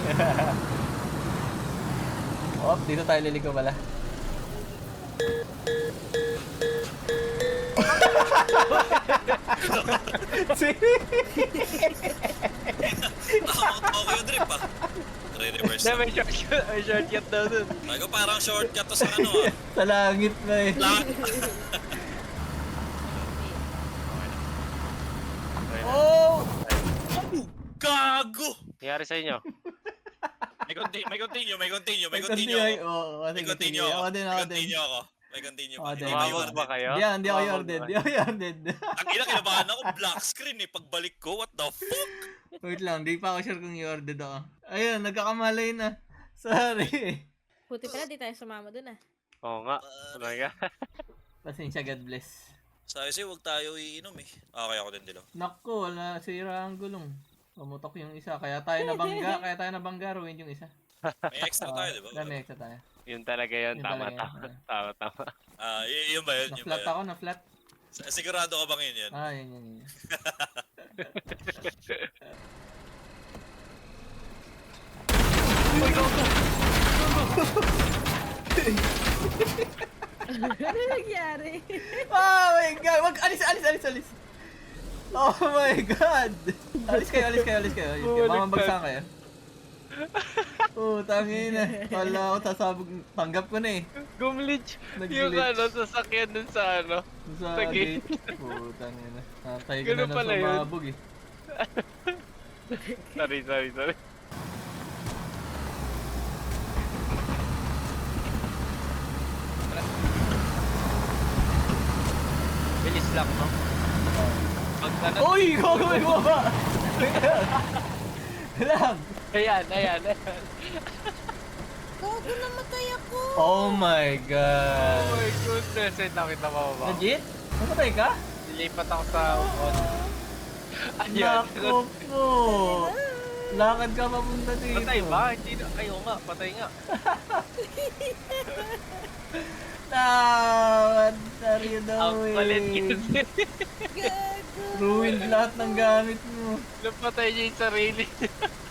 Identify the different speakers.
Speaker 1: Oh, dito tayo liligo pala.
Speaker 2: Okay yung drip ah. Re-reverse
Speaker 3: Hindi,
Speaker 2: na.
Speaker 3: may shortcut daw dun.
Speaker 2: Ay ko parang shortcut to sa ano ah.
Speaker 1: Sa langit na eh.
Speaker 2: Oh! Gago!
Speaker 3: Nangyari sa inyo?
Speaker 2: May continue.
Speaker 1: Oo, kasi
Speaker 2: May continue ako.
Speaker 1: ako din.
Speaker 2: May continue
Speaker 1: Ako
Speaker 2: pa.
Speaker 1: din.
Speaker 2: Hindi ba
Speaker 3: Tumawag ba kayo?
Speaker 1: Hindi ako
Speaker 3: Tumawag
Speaker 1: yorded.
Speaker 3: ba?
Speaker 1: Hindi ako yorded.
Speaker 2: Ang ina, kinabahan ako. Black screen eh. Pagbalik ko, what the fuck?
Speaker 1: Wait lang, di pa ako sure kung yorded ako. Ayun, nagkakamalay na. Sorry.
Speaker 4: Buti pala di tayo sumama dun ah.
Speaker 3: Oo nga. Talaga.
Speaker 1: Pasensya, God bless.
Speaker 2: Sabi sa'yo, huwag tayo iinom eh. Okay ako din, Dilo.
Speaker 1: Naku, wala, sira ang gulong. Pumutok yung isa. Kaya tayo nabangga, ruin yung isa.
Speaker 2: May extra tayo, di ba?
Speaker 1: May extra tayo.
Speaker 3: Yun talaga yun.
Speaker 1: Yun
Speaker 3: Tama,
Speaker 1: talaga
Speaker 3: tama.
Speaker 1: yun.
Speaker 3: Tama.
Speaker 2: Yun ba yun? Yun ba
Speaker 1: Na-flat
Speaker 2: yun?
Speaker 1: ako, na-flat.
Speaker 2: Sigurado ka bang yun?
Speaker 1: Yun.
Speaker 4: Ano nangyari?
Speaker 1: Oh my God! Wag, alis! Oh my God! Alis kayo. Mamabagsan kayo. Tangina. Wala ako sasabog. Tanggap ko na eh.
Speaker 3: Gumlitch.
Speaker 1: Nag-glitch.
Speaker 3: Yung sasakyan dun sa
Speaker 1: Sa
Speaker 3: Sa
Speaker 1: gate.
Speaker 3: gate.
Speaker 1: Tangina. Natay ko
Speaker 3: Ganun
Speaker 1: na
Speaker 3: pala
Speaker 1: lang
Speaker 3: yun.
Speaker 1: sumabog eh.
Speaker 3: Sorry. Bilis lang, no? Pagka
Speaker 1: Uy! Gagawin mo ba? Lang!
Speaker 3: Ayan.
Speaker 4: Gago, namatay ako.
Speaker 1: Oh my
Speaker 3: Oh
Speaker 1: God!
Speaker 3: my goodness. Wait, nakita mo ba?
Speaker 1: Legit? Namatay ka?
Speaker 3: Nilipat ako sa upon. Ayan.
Speaker 1: Naku po! Lakad ka papunta dito.
Speaker 3: Patay ba? Hindi na. Ay, oo nga. Patay nga.
Speaker 1: What are you
Speaker 3: Ang palit
Speaker 1: doing?
Speaker 4: Gago.
Speaker 1: Ruined lahat ng gamit mo.
Speaker 3: Napatay niya yung sarili.